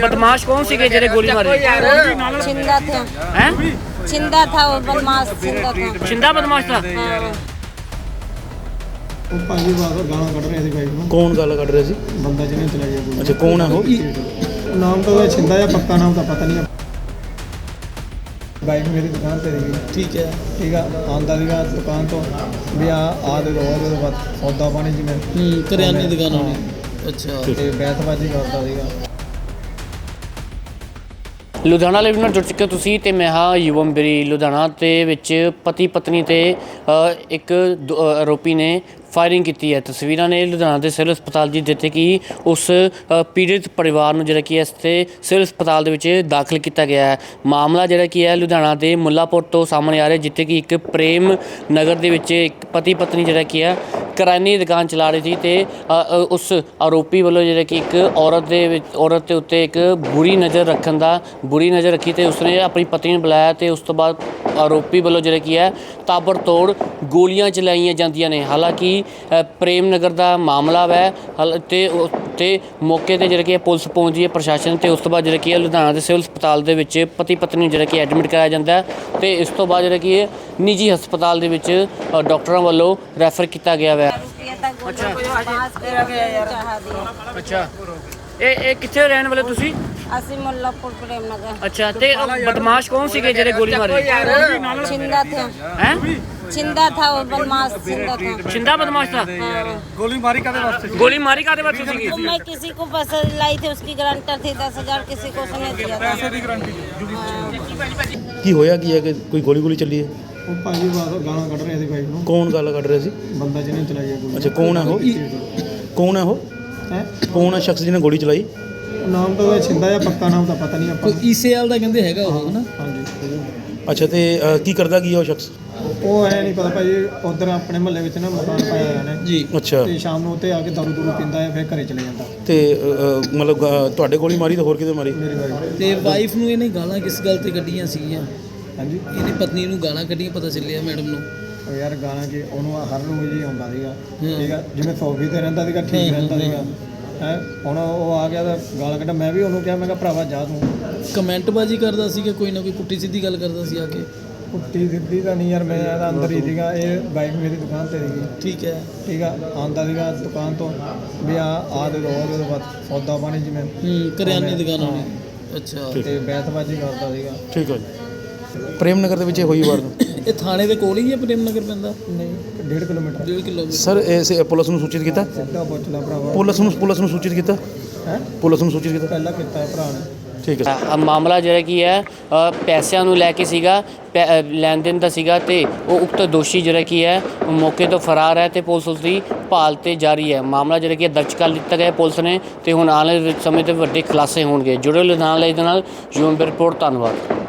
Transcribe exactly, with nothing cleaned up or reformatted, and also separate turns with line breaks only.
बदमाश कौन सी जेडे गोली मारी?
छिंदा थे
हैं?
छिंदा था वो बदमाश छिंदा था
छिंदा बदमाश था।
हाँ।
ਉਹ ਭਾਜੀ ਬਾਹਰ ਗਾਲਾਂ ਕੱਢ ਰਹੇ ਸੀ ਬਾਈਕ ਨੂੰ।
ਕੌਣ ਗੱਲ ਕੱਢ ਰਿਹਾ ਸੀ?
ਬੰਦਾ ਜਿਹਨੇ ਚਲਾਈ ਆ
ਅੱਛਾ ਕੌਣ ਹੈ ਉਹ?
ਉਹ ਨਾਮ ਤਾਂ ਉਹਦਾ ਛਿੰਦਾ ਜਾਂ ਪੱਕਾ ਨਾਮ ਤਾਂ ਪਤਾ ਨਹੀਂ। ਬਾਈਕ ਮੇਰੀ ਦੁਕਾਨ ਤੇ ਸੀਗੀ।
ਠੀਕ ਹੈ।
ਠੀਕ ਆ, ਆਉਂਦਾ ਸੀਗਾ ਦੁਕਾਨ ਤੋਂ ਵੀ ਆ ਆ ਦੇ ਰੋਜ਼ ਉਹਦੇ ਬਾਅਦ ਸੌਦਾ ਪਾਣੀ ਜਿਵੇਂ
ਹੂੰ ਕਰਿਆਨੇ ਦੀ ਦੁਕਾਨ ਹੋਣੀ। ਅੱਛਾ
ਤੇ ਬੈਠਬਾਜੀ ਕਰਦਾ ਸੀਗਾ।
ਲੁਧਿਆਣਾ ਲਾਈਵ ਨਾਲ ਜੁੜ ਚੁੱਕੇ ਤੁਸੀਂ ਤੇ ਮੈਂ ਹਾਂ ਯੁਵਮ ਬਰੀ। ਲੁਧਿਆਣਾ ਦੇ ਵਿੱਚ ਪਤੀ ਪਤਨੀ ਤੇ ਇੱਕ ਦੋ ਆਰੋਪੀ ਨੇ ਫਾਇਰਿੰਗ ਕੀਤੀ ਹੈ। ਤਸਵੀਰਾਂ ਨੇ ਲੁਧਿਆਣਾ ਦੇ ਸਿਵਲ ਹਸਪਤਾਲ ਦੀ, ਜਿੱਥੇ ਕਿ ਉਸ ਪੀੜਿਤ ਪਰਿਵਾਰ ਨੂੰ ਜਿਹੜਾ ਕਿ ਇਸ ਤੇ ਸਿਵਲ ਹਸਪਤਾਲ ਦੇ ਵਿੱਚ ਦਾਖਲ ਕੀਤਾ ਗਿਆ ਹੈ। ਮਾਮਲਾ ਜਿਹੜਾ ਕੀ ਹੈ ਲੁਧਿਆਣਾ ਦੇ ਮੁੱਲਾਪੁਰ ਤੋਂ ਸਾਹਮਣੇ ਆ ਰਿਹਾ, ਜਿੱਥੇ ਕਿ ਇੱਕ ਪ੍ਰੇਮ ਨਗਰ ਦੇ ਵਿੱਚ ਇੱਕ ਪਤੀ ਪਤਨੀ ਜਿਹੜਾ ਕੀ ਹੈ ਕਰਿਆਨੇ ਦੀ ਦੁਕਾਨ ਚਲਾ ਰਹੀ ਸੀ ਤੇ ਉਸ ਆਰੋਪੀ ਵੱਲੋਂ ਜਿਹੜਾ ਕਿ ਇੱਕ ਔਰਤ ਦੇ ਵਿੱਚ ਔਰਤ ਦੇ ਉੱਤੇ ਇੱਕ ਬੁਰੀ ਨਜ਼ਰ ਰੱਖਣ ਦਾ ਬੁਰੀ ਨਜ਼ਰ ਰੱਖੀ ਤੇ ਉਸਨੇ ਆਪਣੀ ਪਤਨੀ ਨੂੰ ਬੁਲਾਇਆ ਤੇ ਉਸ ਤੋਂ ਬਾਅਦ ਆਰੋਪੀ ਵੱਲੋਂ ਜਿਹੜਾ ਕੀ ਹੈ ਤਾਬੜਤੋੜ ਗੋਲੀਆਂ ਚਲਾਈਆਂ ਜਾਂਦੀਆਂ ਨੇ। ਹਾਲਾਂਕਿ ਪ੍ਰੇਮ ਨਗਰ ਦਾ ਮਾਮਲਾ ਹੈ ਤੇ ਤੇ ਮੌਕੇ ਤੇ ਜਿਹੜਾ ਕਿ ਪੁਲਿਸ ਪਹੁੰਚਦੀ ਹੈ, ਪ੍ਰਸ਼ਾਸਨ, ਤੇ ਉਸ ਤੋਂ ਬਾਅਦ ਜਿਹੜਾ ਕੀ ਹੈ ਲੁਧਿਆਣਾ ਦੇ ਸਿਵਲ ਹਸਪਤਾਲ ਦੇ ਵਿੱਚ ਪਤੀ ਪਤਨੀ ਨੂੰ ਜਿਹੜਾ ਕਿ ਐਡਮਿਟ ਕਰਾਇਆ ਜਾਂਦਾ ਹੈ ਤੇ ਇਸ ਤੋਂ ਬਾਅਦ ਜਿਹੜਾ ਕਿ ਇਹ ਨਿੱਜੀ ਹਸਪਤਾਲ ਦੇ ਵਿੱਚ ਡਾਕਟਰਾਂ ਵੱਲੋਂ ਰੈਫਰ ਕੀਤਾ ਗਿਆ ਹੈ।
अच्छा
ਅੱਛਾ ਇਹ ਇਹ ਕਿੱਥੇ ਰਹਿਣ ਵਾਲੇ ਤੁਸੀਂ?
ਅਸੀਂ ਮੁੱਲਾਪੁਰ ਪ੍ਰੇਮ ਨਗਰ।
ਅੱਛਾ ਤੇ ਬਦਮਾਸ਼ ਕੌਣ ਸੀਗੇ ਜਿਹੜੇ ਗੋਲੀ ਮਾਰੀ?
छिंदा थे
हैं?
छिंदा था वो बदमाश छिंदा था
छिंदा बदमाश था।
हाँ।
ਗੋਲੀ ਮਾਰੀ ਕਾਦੇ ਵਾਸਤੇ?
गोली मारी कादे वास्ते सीगी?
तो मैं किसी को पैसे लाई थी, उसकी गारंटर थी दस हजार, किसी को उसने दिया था।
ਕੀ ਹੋਇਆ ਕੀ ਹੈ ਕਿ ਕੋਈ ਗੋਲੀ ਗੋਲੀ ਚੱਲੀ ਹੈ?
ਉਹ ਭਾਜੀ ਬਾਹਰ ਗਾਲਾਂ ਕੱਢ ਰਹੇ ਸੀ ਬਾਈਕ ਨੂੰ।
ਕੌਣ ਗੱਲ ਕੱਢ ਰਿਹਾ ਸੀ?
ਬੰਦਾ ਜਿਹਨੇ ਚਲਾਈ ਆ ਗੋਲੀ।
ਅੱਛਾ ਕੌਣ ਹੈ ਉਹ? ਕੌਣ ਹੈ ਉਹ?
ਹੈ
ਕੌਣ ਹੈ ਸ਼ਖਸ ਜਿਹਨੇ ਗੋਲੀ ਚਲਾਈ?
ਨਾਮ ਤਾਂ ਉਹਦਾ ਛਿੰਦਾ ਜਾਂ ਪੱਕਾ ਨਾਮ ਤਾਂ ਪਤਾ ਨਹੀਂ ਆਪਾਂ ਨੂੰ।
ਈਸੇਆਲ ਦਾ ਕਹਿੰਦੇ ਹੈਗਾ ਉਹ ਹਨਾ?
ਹਾਂਜੀ।
ਅੱਛਾ ਤੇ ਅ, ਕੀ ਕਰਦਾ ਕੀ ਹੈ ਉਹ ਸ਼ਖਸ?
ਉਹ ਐ ਨਹੀਂ ਪਤਾ ਭਾਜੀ, ਉਧਰ ਆਪਣੇ ਮਹੱਲੇ ਵਿੱਚ ਨਾ ਮਕਾਨ ਪਾਇਆ ਹੋਇਆ ਨੇ
ਜੀ ਅੱਛਾ।
ਤੇ ਸ਼ਾਮ ਨੂੰ ਉੱਤੇ ਆ ਕੇ ਦਾਰੂ ਦੂਰੂ ਪੀਂਦਾ ਹੈ, ਫਿਰ ਘਰੇ ਚਲੇ ਜਾਂਦਾ।
ਤੇ ਅ, ਅ, ਮਤਲਬ ਅ, ਤੁਹਾਡੇ ਗੋਲੀ ਮਾਰੀ ਤਾਂ ਹੋਰ ਕਿਤੇ ਮਾਰੀ?
ਮੇਰੀ ਵਾਈਫ।
ਤੇ ਵਾਈਫ ਨੂੰ ਇਹਨੇ ਗਾਲਾਂ ਕਿਸ ਗੱਲ ਤੇ ਕੱਢੀਆਂ ਸੀਗੀਆਂ?
ਹਾਂਜੀ।
ਇਹਦੀ ਪਤਨੀ ਨੂੰ ਗਾਲਾਂ ਕੱਢੀਆਂ ਪਤਾ ਚੱਲਿਆ ਮੈਡਮ ਨੂੰ।
ਉਹ ਯਾਰ ਗਾਲਾਂ ਕਿ ਉਹਨੂੰ ਹਰ ਰੋਜ਼ ਹੀ ਆਉਂਦਾ ਸੀਗਾ। ਠੀਕ ਆ, ਜਿਵੇਂ ਸੌਫੀ ਤੇ ਰਹਿੰਦਾ ਸੀਗਾ, ਠੀਕ ਰਹਿੰਦਾ ਸੀਗਾ। ਹੈ ਹੁਣ ਉਹ ਆ ਗਿਆ ਤਾਂ ਗਾਲਾਂ ਕੱਢ। ਮੈਂ ਵੀ ਉਹਨੂੰ ਕਿਹਾ, ਮੈਂ ਕਿਹਾ ਭਰਾਵਾ ਜਾ ਤੂੰ।
ਕਮੈਂਟ ਬਾਜੀ ਕਰਦਾ ਸੀਗਾ, ਕੋਈ ਨਾ ਕੋਈ ਪੁੱਠੀ ਸਿੱਧੀ ਗੱਲ ਕਰਦਾ ਸੀ ਆ ਕੇ।
ਪੁੱਟੀ ਸਿੱਧੀ ਤਾਂ ਨਹੀਂ ਯਾਰ, ਮੈਂ ਇਹਦਾ ਅੰਦਰ ਹੀ ਸੀਗਾ। ਇਹ ਬਾਈਕ ਮੇਰੀ ਦੁਕਾਨ ਤੇ ਸੀਗੀ।
ਠੀਕ ਹੈ।
ਠੀਕ ਆ, ਆਉਂਦਾ ਸੀਗਾ ਦੁਕਾਨ ਤੋਂ ਵੀ ਆ ਆ ਦੇ ਰੋਜ਼ ਉਹਦੇ ਬਾਅਦ ਸੌਦਾ ਪਾਣੀ ਜਿਵੇਂ
ਹੂੰ ਕਰਿਆਨੇ ਦੀ ਦੁਕਾਨ ਹੋਣੀ। ਅੱਛਾ
ਤੇ ਬੈਠਬਾਜੀ ਕਰਦਾ ਸੀਗਾ।
ਠੀਕ ਹੈ ਜੀ। ਪ੍ਰੇਮ ਨਗਰ ਦੇ ਵਿੱਚ ਇਹ ਹੋਈ ਵਾਰਦਾਤ?
ਇਹ ਥਾਣੇ ਦੇ ਕੋਲ ਹੀ ਹੈ ਪ੍ਰੇਮ ਨਗਰ ਪੈਂਦਾ?
ਨਹੀਂ, ਡੇਢ ਕਿਲੋਮੀਟਰ।
ਡੇਢ ਕਿਲੋਮੀਟਰ।
ਸਰ ਇਸ ਪੁਲਿਸ ਨੂੰ ਸੂਚਿਤ ਕੀਤਾ?
ਸਿੱਧਾ ਪੁੱਛ ਲਾ ਭਰਾਵਾ।
ਪੁਲਿਸ ਨੂੰ ਪੁਲਿਸ ਨੂੰ ਸੂਚਿਤ ਕੀਤਾ?
ਹੈ
ਪੁਲਿਸ ਨੂੰ ਸੂਚਿਤ ਕੀਤਾ?
ਪਹਿਲਾਂ ਕੀਤਾ ਹੈ ਭਰਾ ਨੇ।
ਠੀਕ ਹੈ।
ਅ, ਮਾਮਲਾ ਜਿਹੜਾ ਕੀ ਹੈ ਅ, ਪੈਸਿਆਂ ਨੂੰ ਲੈ ਕੇ ਸੀਗਾ, ਪੈ- ਅ, ਲੈਣ ਦੇਣ ਦਾ ਸੀਗਾ ਤੇ ਉਹ ਉਕਤ ਦੋਸ਼ੀ ਜਿਹੜਾ ਕੀ ਹੈ ਮੌਕੇ ਤੋਂ ਫਰਾਰ ਹੈ ਤੇ ਪੁਲਿਸ ਉਸ ਦੀ ਭਾਲ ਤੇ ਜਾਰੀ ਹੈ। ਮਾਮਲਾ ਜਿਹੜਾ ਕੀ ਹੈ ਦਰਜ ਕਰ ਲਿੱਤਾ ਗਿਆ ਪੁਲਿਸ ਨੇ ਤੇ ਹੁਣ ਆਉਣ ਵਾਲੇ ਸਮੇਂ ਤੇ ਵੱਡੇ ਖੁਲਾਸੇ ਹੋਣਗੇ। ਜੁੜੇ ਲੁਧਿਆਣਾ ਲਾਈਵ ਦੇ ਨਾਲ ਯੂਮ ਰਿਪੋਰਟ। ਧੰਨਵਾਦ।